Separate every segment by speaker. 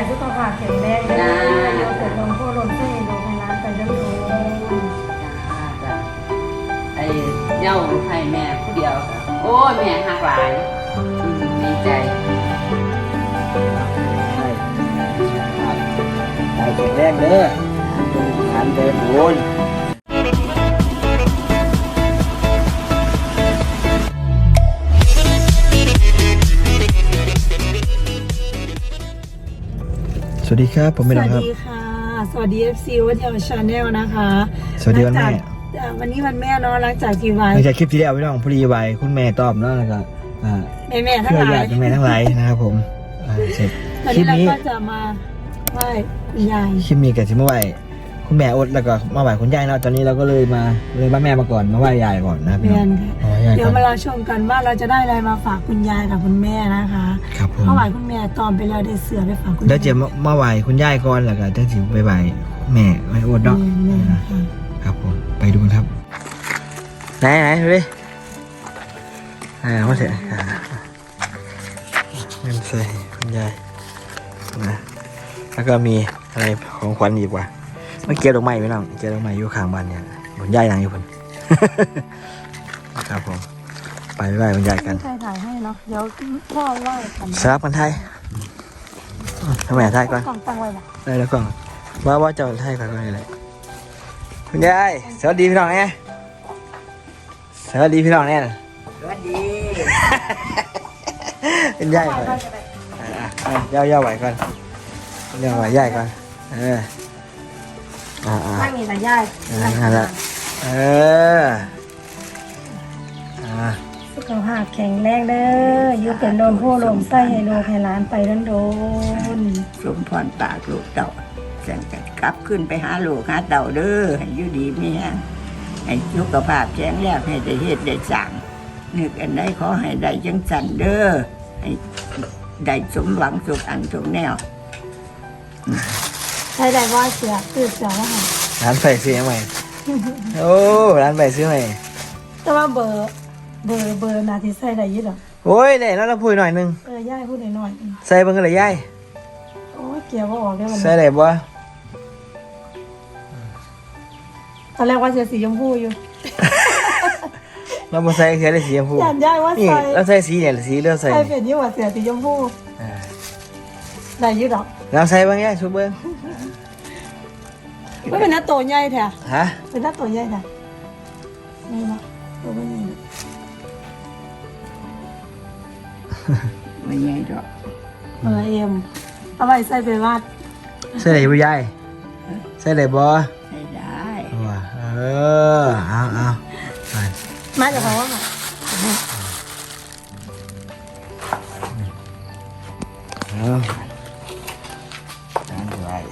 Speaker 1: สุขภาพแข็งแรงนะเราเกิดลมโพลมเส้นลมให้ร้านไปเรื่อยๆ
Speaker 2: จ้าไอ้เย้าให้แม่ผู้เดียวโอ้ยแม่หักหลายดีใจ
Speaker 3: ใช่ครับใจแข็งแรงเด้อทานเดินบุญสวัสดีครับผมเป็นน้องครับ
Speaker 1: สวัสดีค่ะสวัสดี FC วัฒนชาแนลนะคะ
Speaker 3: สวัสดีวันแม่
Speaker 1: วันนี้วันแม่เนาะหลังจากกี่วัน
Speaker 3: หลังจากคลิปที่แล้วพี่น้องพอดีไว้คุณแม่ตอบเนาะแล้วก็
Speaker 1: แม่ทั้ง
Speaker 3: เพื่อ
Speaker 1: หลา
Speaker 3: ญาย ติแม่ทั้งหลายนะครับผมเสร็จ
Speaker 1: วัน
Speaker 3: คลิ
Speaker 1: นี้
Speaker 3: ป
Speaker 1: เรา
Speaker 3: นี้
Speaker 1: ก็จะมาไหว้คุณยาย
Speaker 3: คลิปนี้กับที่มาไหว้คุณแม่อดแล้วก็มาไหว้คุณยายเนาะตอนนี้เราก็เลยมาแม่มาก่อนมาไหว้ยายก่อนนะครับพี่
Speaker 1: เรี
Speaker 3: น้
Speaker 1: ย
Speaker 3: อง
Speaker 1: นค่ะ
Speaker 3: อ๋อยาย
Speaker 1: เดี๋ย
Speaker 3: ก่
Speaker 1: ว
Speaker 3: อน
Speaker 1: มาเราชมกันว่าเราจะได้อะไรมาฝากคุณยายกับคุณแม่นะคะ
Speaker 3: ครับผม
Speaker 1: เมื่อวานคุณแม่ตอนไปแล้วได้เสือไปฝากคุณ
Speaker 3: เดี๋ยวจะมาไหว้คุณยายก่อนแล้วก็จะถึงไปไหว้แม่ไหว้อดเนาะ
Speaker 1: แม่ค่ะ
Speaker 3: ครับผมไปดูกันครับไหนดูดิมาเสร็จเงินใส่คุณยายนะแล้วก็มีอะไรของขวัญอีกว่าเมื่อกี้ดอกไม้พี่น้องเกี่ยวดอกไม้อยู่ข้างบ้านเนี่ยบนยายนางอยู่บน ครับผมไปไหว้คุณยายกัน
Speaker 1: ใครถ่ายให้เนาะเดี๋ยวพ่อไหว้กัน
Speaker 3: สลับกันไทยทำไมไทยก่อน
Speaker 1: กล่องตั้งไว้ละ
Speaker 3: ได้แล้วก่อนว่าจะไทยก่อนก็ได้เลยคุณยายสวัสดีพี่น้องแน่สวัสดีพี่น้องแน่
Speaker 2: สวัสดี
Speaker 3: เป็นยายก่อนย่าไหวก่อนย่าไหวย่ายก่อน
Speaker 1: ไม่มีแต่ยาย
Speaker 3: นั่นแหละ
Speaker 1: สุขภาพแข็งแรงเด้ออยู่เป็นโดนผู้ลมไส้ให้โลกให้ร้านไปโดน
Speaker 2: สมพรปากลูกเต่าแสงกันกลับขึ้นไปหาลูกหาเต่าเด้อให้อยู่ดีมีแรงให้สุขภาพแข็งแรงให้ได้เฮ็ดได้สั่งนึกอันใดขอให้ได้จังสันเด้อให้ได้สมหวังสุขอันทุกแนว
Speaker 1: ใช่ได้ว่าเสือตื่นเสือแล้วค่ะ
Speaker 3: ร้านไฟซื้อใหม่โอ้ร้านไฟซื้อใหม่
Speaker 1: แต่ว่าเบอร์นาทีใส่ได้ยี่หรอ
Speaker 3: โอ้ยเดี๋ยวเราพูดหน่อยนึง
Speaker 1: ย่ายพูดหน่อย
Speaker 3: ใส่เบิ่งกันเลยย่าย
Speaker 1: โอ้ยเกี่ยวว่าออกได้วัน
Speaker 3: ใส่
Speaker 1: นี้
Speaker 3: ได้บ่
Speaker 1: ตอนแรกว่าเสือสีชมพูอยู่
Speaker 3: เราบ่ใส่แค่ได้สีชมพู
Speaker 1: ยันย่ายว่า
Speaker 3: นี่
Speaker 1: ใส่
Speaker 3: เราใส่สีเนี่ยสีเลือดใส่
Speaker 1: ใส่เป็นยี่ว่าเสือสีชมพูได้ยี่หรอ
Speaker 3: เราใส่เบิ่งย่ายชุบเบิ่ง
Speaker 1: ไม่เป็นหน้าโตใหญ่แท้
Speaker 3: ฮะ
Speaker 1: เป็นหน้าโตใหญ่แท้ไม่หรอกตัวไม่ใหญ่
Speaker 2: ไม่ใหญ่ดอก
Speaker 1: เอ็มเอาไว้ใส่ไปวาด
Speaker 3: ใส่ได้บ่ย่ายใส่ได้บ่
Speaker 2: ใช้ได้
Speaker 3: ว่าเอาไป
Speaker 1: มาจากเขาว่าไง
Speaker 3: เอาจานไว้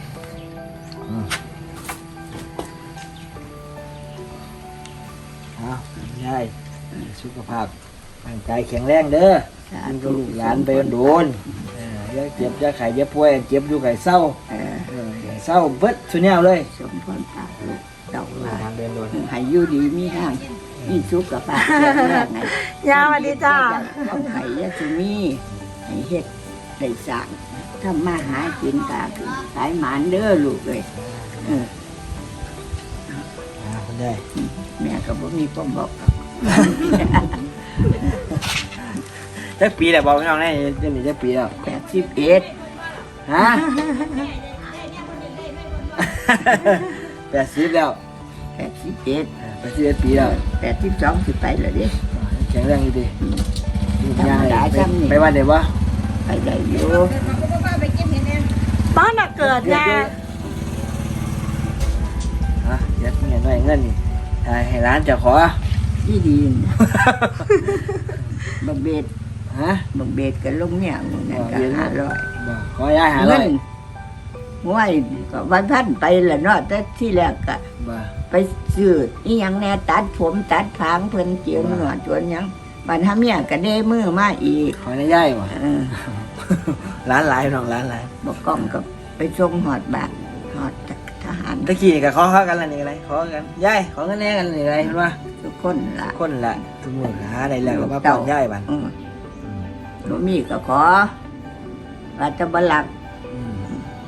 Speaker 3: เอายายสุขภาพร่างกายแข็งแรงเด้อกินกับลูกหลานไปโดนอย่าเจ็บอย่าไข้อย่าป่วยเจ็บอยู่ไข้เศร้าเศร้าเบิดสุดแนวเลย
Speaker 2: สมพรปากลูกเต่าหลา
Speaker 3: ทางเดินโดน
Speaker 2: ให้อยู่ดีมีแรงมีสุขภาพแข็งแรงไง
Speaker 1: ยาสวัสดีจ้า
Speaker 2: เอาไข่ยาสุมีให้เฮ็ดได้สั่งทำมาหากินตาคือสายหมานเด้อลูกเลยเออ
Speaker 3: คุณยาย
Speaker 2: แม่ก็บ่มีความบอก
Speaker 3: จักปีแล้วบอกพี่น้องแน่เดี๋ยวนี้จักปีแล้ว
Speaker 2: 81
Speaker 3: ฮะ 80แล้ว
Speaker 2: 81
Speaker 3: 81ปีแล้ว
Speaker 2: 82สิไปแล้วเด้
Speaker 3: แข็งแรงอยู่ดี
Speaker 2: ธรรมดาจำนี่
Speaker 3: ไปวันเดี๋ยววะ
Speaker 2: ไปได้อยู่
Speaker 1: บ้านน่ะเกิดยา
Speaker 3: ฮะเดี๋ยวเงินหน่อยเงินนี่ให้ร้านจะขอ
Speaker 2: ที่ดินบักเบ็ด
Speaker 3: ฮะ
Speaker 2: บักเบ็ดกับลงเนี่ยนั่นก็500
Speaker 3: บ่ขอยายหาเล
Speaker 2: เงิ
Speaker 3: ย
Speaker 2: นห้วยก็วันพันไปละเนาะแต่ที่แรกก็
Speaker 3: บ่
Speaker 2: ไปซื้ออีหยังแน่ตัดผมตัดผางเพิ่นเจียวหนวดจวนหยังบัดทำเนี่ยก็ได้มือมาอีก
Speaker 3: ขอได้ย่ายบ่
Speaker 2: เออ
Speaker 3: ร้านหลายน้องร้านหลาย
Speaker 2: บอกกล้องก็ไปส่งหอดบาทหอดทหาร
Speaker 3: ตะกี้ก็ขอกันละนี่อะไรขอกันย่ายขอเงินแน่กันนี่อะไรเห็นป่ะ
Speaker 2: ทุกคนละ
Speaker 3: คนละทุกมื้อหาได้แล้วก็มาป้อนย่ายบัด
Speaker 2: บ่มีก็ขอว่าจะบ่หลัก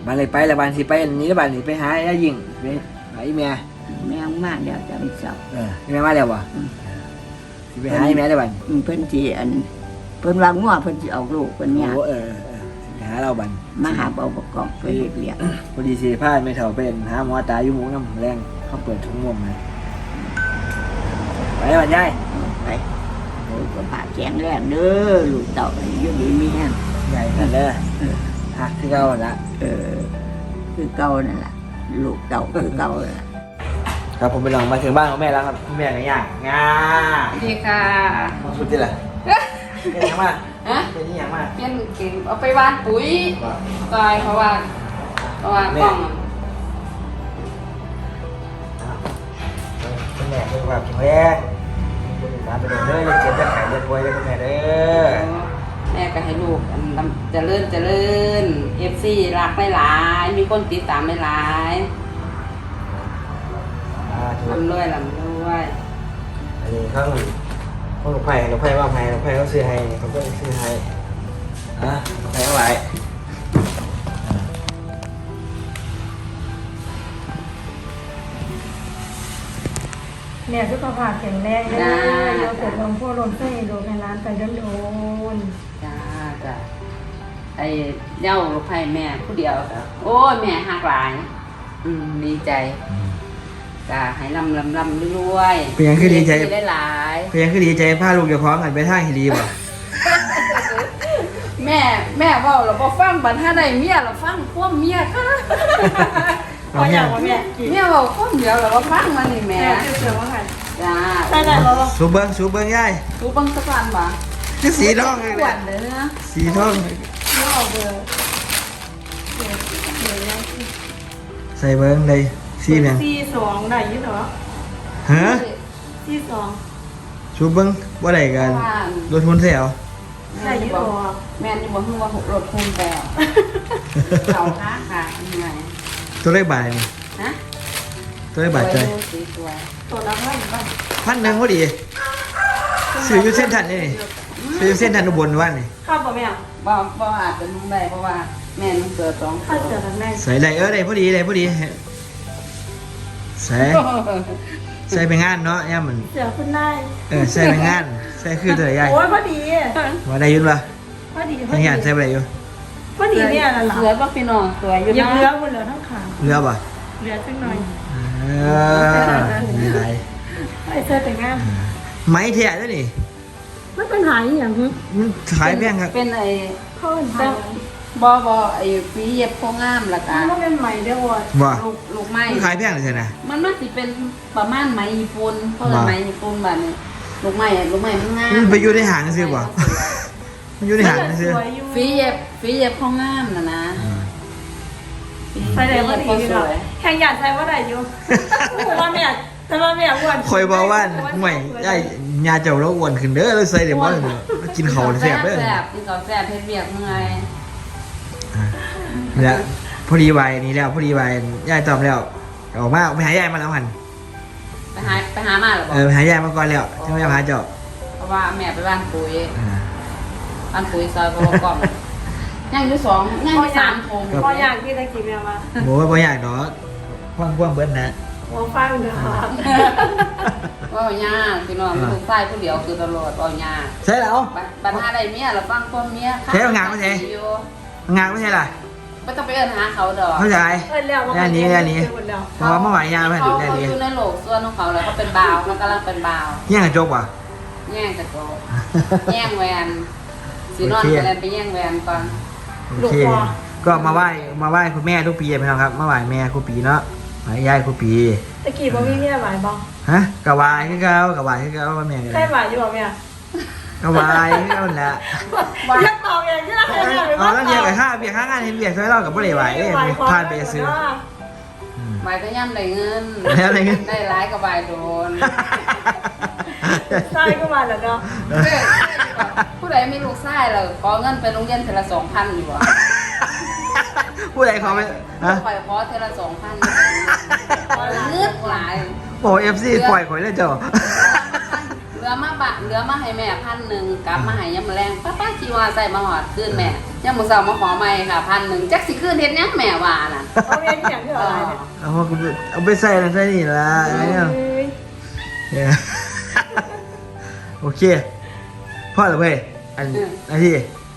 Speaker 3: บ้านเลยไปแล้วบ้านสิไปอันนี้แล้วบ้านสิไปหาไอ้ยิงไปหาไอ้แม่
Speaker 2: แม่มากเดี๋ยวจะไปสอบ
Speaker 3: ไอ้แม่มาแล้วบ่สิไปหาไอ้แม่ได้บ้าน
Speaker 2: เพิ่นสิเพิ่นว่างัวเพิ่นสิออกลูกเพิ่นเนี่ย
Speaker 3: โอ้สิไปหาเราบ้าน
Speaker 2: มาหาเบาประกอบไปเฮ็ดเรียก
Speaker 3: พอดีสิพาไม่เท่าเป็นหาหมอตาอยู่หมูน้ำแรงเขาเปิดทุ่งม่วงมาไปบ้านยาย
Speaker 2: ไปโอ้ก็ผ่าแข็งแรงเด้อลูกเต่าอยู่ดีมีแห้ง
Speaker 3: ใหญ่กันเลยหักที่เก่าละ
Speaker 2: คือเก่านั่นล่ะลูกเต่าคือเก่าล่ะ
Speaker 3: ครับผมไปลองมาถึงบ้านของแม่แล้วครับแม่ไงย่างงา
Speaker 4: สวัสดีค่ะ
Speaker 3: สุดที่ละเป็นยังมาก
Speaker 4: ฮะ
Speaker 3: เป็นยังมาก
Speaker 4: เปลี่ยนเก่งเอาไปวานปุ๋ยตายเพราะว่ากล้อง
Speaker 3: คุณแม่คือความแข็งแรงตามไปเดินเลยเจ็บจะไข่จะป่วยเลยคุณแม่เด้อ
Speaker 4: แม่ก็ให้ลูกเจริญFC รักหลายๆมีคนติดตามหลายๆลำรวย
Speaker 3: อันนี้เขาหนูไผ่ว่าไผ่หนูไผ่เขาซื้อให้เขาก็ซื้อให้ไผ่เอาไว้
Speaker 1: แม่สุขภาพแข็งแรงเด้อเราเกิดลมพ่อลมเส้นดูให้ร้านไปโดน
Speaker 4: จ้าไอ้เย้าลูกไผ่แม่ผู้เดียวโอ้ยแม่หักหลายดีใจจ้าให้ลำรวยๆ
Speaker 3: เป็นยังคือดีใจ
Speaker 4: หลาย
Speaker 3: เป็นยังคือดีใจพาลูกเดี๋ยวพร้อมกันไปท่าฮิรีบ่
Speaker 4: แม่เว่าเราบ่ฟังบัดถ้าได้เมียเราฟังพวกเมียค่ะ
Speaker 1: ๆพออย่างว่าแม่กิน
Speaker 4: เมียเว้าคนเดียวเราบ่ฟังมันนี่แม่
Speaker 1: แม่เชื่อว่าไง
Speaker 4: จ้า
Speaker 1: ได้ได้บ่
Speaker 3: สูบเบิ้งยาย
Speaker 4: ดูเบังสักวันบ่
Speaker 3: คือสีทองเลย
Speaker 4: อ้วนเด้อ
Speaker 3: สีทอง
Speaker 1: ไม่ออกเบอร์
Speaker 3: ใส่เบิ้งเลยสีเนี่ย
Speaker 1: 42ได้อยู่เหรอ
Speaker 3: ฮะ
Speaker 1: 42
Speaker 3: สูบเบิ้งว่าไรกันรถทุนเสียว
Speaker 1: ได้อยู่บ่
Speaker 4: แม่นี่บ่ฮู้ว่ารถคุณแปลเขาค่ะยังไง
Speaker 3: ตัวเลขบาทนี่
Speaker 4: ฮะ
Speaker 3: ตัวเลขบาทใจ
Speaker 4: สวย
Speaker 1: ตัวละเท่าไหร่บ้าง
Speaker 3: 1,000พอดีซื้ออยู่เส้นทันนี่ซื้ออยู่เส้นทันอุบลวันนี่
Speaker 1: ข้าวบ่แม่
Speaker 4: บ่อาจจะนุ่งได้เพราะว่าแม่นุ่งเกิด2
Speaker 1: ข้าวเสือทั้งแม่
Speaker 3: ใส่ได้ได้พอดีใส่ไปงานเนาะย่ามัน
Speaker 1: เสือขึ้นได้
Speaker 3: ใส่ไปงานใส่คือตัวใหญ่
Speaker 1: โอ้ยพอดี
Speaker 3: มาได้ยุ่นปะ
Speaker 1: พอดี
Speaker 3: ยังงานใส่ไปได้อยู่
Speaker 1: พอดีเนี่ยน่ะล่ะ
Speaker 4: สวยบ่พี่น้องสวยอยู่
Speaker 1: ยัง
Speaker 4: นะ
Speaker 1: เหลือหมดเหลือทั้งขา
Speaker 3: เรือปะ
Speaker 1: เหลือจังหน่อย
Speaker 3: มีไร
Speaker 1: ไอ้เสื้อแต่งงาน
Speaker 3: ไม้แท้ด้วยนี่
Speaker 1: มันเป็นหายอย่างฮึ
Speaker 3: มันขายแพงครับ
Speaker 4: เป็นไอ้
Speaker 1: เขาเป็นหาย
Speaker 4: บ่ไอ้ฝีเย็บโคงามละกัน
Speaker 1: มันเป็นใหม่เด้อว่ะ
Speaker 3: ว่า
Speaker 4: ลูกไม้
Speaker 3: มันขายแพงเลยใช่ไหม
Speaker 4: มันน่าสิเป็นประมาณไหมญี่ปุ่นเพราะว่าไหมญี่ปุ่นแบบนี้ลูกไม้มันงาม
Speaker 3: มันไปอยู่ในหางซื้อป่ะมันอยู่ในหางซื้อ
Speaker 1: สวยอยู่
Speaker 4: ฝีเย็บโคงามนะ
Speaker 1: ใส่ได้พอดี
Speaker 4: ส
Speaker 1: เนาะ
Speaker 4: วย
Speaker 1: แข่งหยาดใส่ว่าได้อยู่แต่ว่าแม่อ้วน
Speaker 3: คอยบอกว่าห่วยไอ้ยาเจ้าเราอ้วนขึ้นเด้อเราใส่เดี๋ยวว่ากินเขาแซ่บเด้อ
Speaker 4: แซ่บกินข้าวแซ่บเพชรเบียกเมื่อย
Speaker 3: แล้วพอดีวัยนี้แล้วพอดีวัยยายตอบแล้วออกมาไปหายายมาแล้วหัน
Speaker 4: ไปหามาหรอบอก
Speaker 3: ไปหายายมาก่อนแล้วใช่ไหมหาเจ้า
Speaker 4: เพราะว่าแม่ไปบ้านปุ๋ยบ้านปุ๋ยซอยกบกล่อมย่างอยู่2ย่างอยู่3โคง
Speaker 1: พออยากที่ตะกี้แม่มา
Speaker 3: โบ้บ่อยากเนาะพ่วงเบิ้ลนะ
Speaker 1: หัวฟังเด้อ
Speaker 4: ว่าย่าพี่น้องลูกชายผู้เดียวคือตลอดว่าย่า
Speaker 3: ใช่แล้ว
Speaker 4: บัดหาได้เมียแล้วฟังความเมีย
Speaker 3: ใช่เอางานมาใช่ งานไม่ใช่ล่ะ
Speaker 4: ไม่ต้องไปเอิ้นหาเขาดอก
Speaker 3: เข้าใจ
Speaker 1: เออแล้ว
Speaker 3: เพราะว่าเมื่อวานยาไป
Speaker 4: เขา
Speaker 3: ดูแน่
Speaker 4: เขา
Speaker 3: นี้
Speaker 4: อยู่ในโลกส่วนของเขาแล้วเขาเป็นบ่าวมันกำลังเป็นบ่าว
Speaker 3: แย่งกระจกว่ะ
Speaker 4: แย่งกระโจกแย่งแหวนสีนอนไปแล้วไปแย่งแหวนก่อน
Speaker 3: โอเคก็มาไหว้คุณแม่ทุกปีพี่น้องครับมาไหว้แม่ครูปีเนาะไหว้ยายครูปี
Speaker 1: ตะกี้บ่มีเมียหมายบ่
Speaker 3: ฮะกะวายคือเก่ากะวายคือเก่าว่าแม่กัน
Speaker 1: ใช่หมายอยู่บ่แม่
Speaker 3: กะวายคือเก่าแหละ
Speaker 1: อยากตอบอย่างที่เราเคยถามไป
Speaker 3: อ๋อแล้วเบียร์กับข้าเบียร์ข้างานเห็นเบียร์ช่วยเรากับบ่ได้ไหวเอ้ยพลาดไปซื้อ
Speaker 4: ใบก็ย่ำได้เงิน
Speaker 3: แล้วอะไรเงี้ย
Speaker 4: ได้ร้ายกับใบโดน
Speaker 1: ใช่ก็มาแล้วเนาะ
Speaker 4: ผู้ใดมีลูกชายเราขอเงินไปโรงเรียนเทอละ2,000อยู่บ่
Speaker 3: ผู้ใดขอไปฮะ
Speaker 4: ปล่อยขอเทอละ2,000เงือกหลาย
Speaker 3: โอ้เอฟซีปล่อยข่อยเลยเจ้า
Speaker 4: เหลือเหลือมาให้แม่1,000กลับมาให้ยามมื้อแลงป้าจีว่าใส่มาหอดคืนแม่ยามมื้อเช้ามาขอใหม่ค่ะ1,000จักสิคืนเฮ็ดหยังแม่ว่าน่ะ
Speaker 1: เอาเรียนอย่างที่อะไรเนี่ย
Speaker 3: เอาไปใส่นั่นใส่นี่ละอะไรเนี่ย
Speaker 1: เอ้ย
Speaker 3: เนี่ย โอเคพ่อเหรอเว้ยอันที่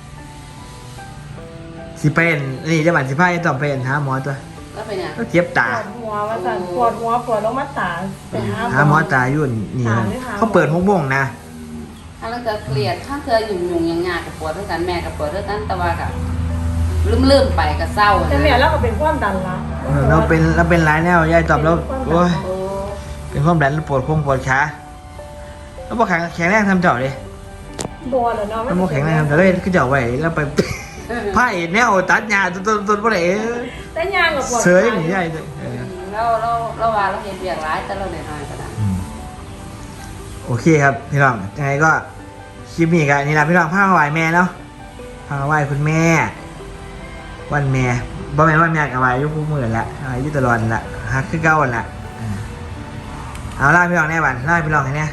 Speaker 3: สิเป็นนี่จะบันสิพาต้องเป็นหาหมอตัว
Speaker 4: แล้วเป็นหยัง
Speaker 3: ก็เจ็บ
Speaker 1: ป
Speaker 3: ตา
Speaker 1: วดหัวว่าสั่นปวดหัวปวดลงมาตาไป
Speaker 3: หาหมอตาอยู่นี่มันเขาเปิด6 โมงนะ
Speaker 4: ถ้าเราเกิดเครียดถ้าเธอยุ่งๆยากๆกับปวดเท่ากันแม่กับปวดเท่ากันแต่ว่ากับลืมๆไปก็เศร้า
Speaker 1: แต่แม่เราก็เป็นความดันละ
Speaker 3: เราเป็นหลายแนวยายตอบแล้วโอ้ย
Speaker 4: โอ้
Speaker 3: เป็นความดันปวดปวดขาแล้วพอแข็งแรงทำเจาะเลย
Speaker 1: บวแล้วเนาะ
Speaker 3: แล้วพอแข็งแรงทำเจาะเลยก็เจาะไว้แล้วไป ผ้าแนวตัดหญ้าต้นบ่ได้
Speaker 1: แต่ยางกับปวด
Speaker 3: เสยนี่ยาย
Speaker 4: เราว่าเราเห็นเบียกร้ายแต่เราหน่อยๆก็ได้
Speaker 3: โอเคครับพี่น้องยังไงก็คลิปนี้กันนี่แหละพี่น้องพามาไหว้แม่เนาะพามาไหว้คุณแม่ วันแม่บ่แม่นวันแม่กับไหว้อยู่คู่มือละไหว้อยู่ตลอดละฮักคือเก่าละเอาล่าพี่น้องแน่บันล่าพี่น้องให้แน่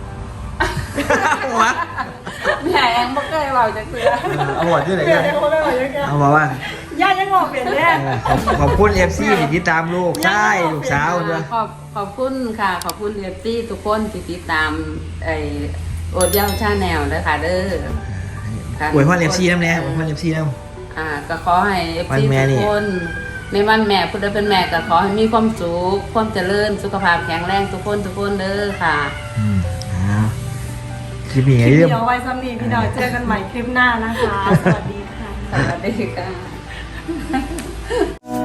Speaker 3: หัว
Speaker 4: แม่เองบ่เคยเว้าจักเทื่อ
Speaker 3: เอาหัวที่ไหน
Speaker 1: เปลี่ย
Speaker 3: กัน น
Speaker 1: ได้คนละอย่างกัน
Speaker 3: เอาบอกว่า
Speaker 1: ย่ายังงอเปลี่ยนแน่
Speaker 3: ขอบคุณFC ที่ติดตามลูกชายลูกสาวด้วย
Speaker 4: ขอบคุณค่ะขอบคุณเอฟซีทุกคนที่ติดตามไอโอดเย้าชาแนลนะคะเด้อค่ะ
Speaker 3: อวยพร FC น้ำแน่อวยพร FC น้
Speaker 4: ก็ขอให้เอฟ
Speaker 3: วัน
Speaker 4: ซี
Speaker 3: แม่
Speaker 4: ทุ
Speaker 3: นี่
Speaker 4: กคนในวันแม่พุทธเป็นแม่ก็ขอให้มีความสุขความเจริญสุขภาพแข็งแรงทุกคนเด้อค่ะ
Speaker 3: คลิปนี้
Speaker 1: ค
Speaker 3: ไง
Speaker 1: ลิป
Speaker 3: เรื่อง
Speaker 1: เดียวไว้ซ้ำนี้พี่น้อยเจอกันใหม่คลิปหน้านะคะ สวัสดีค่ะ
Speaker 4: สวัสดีค่ะ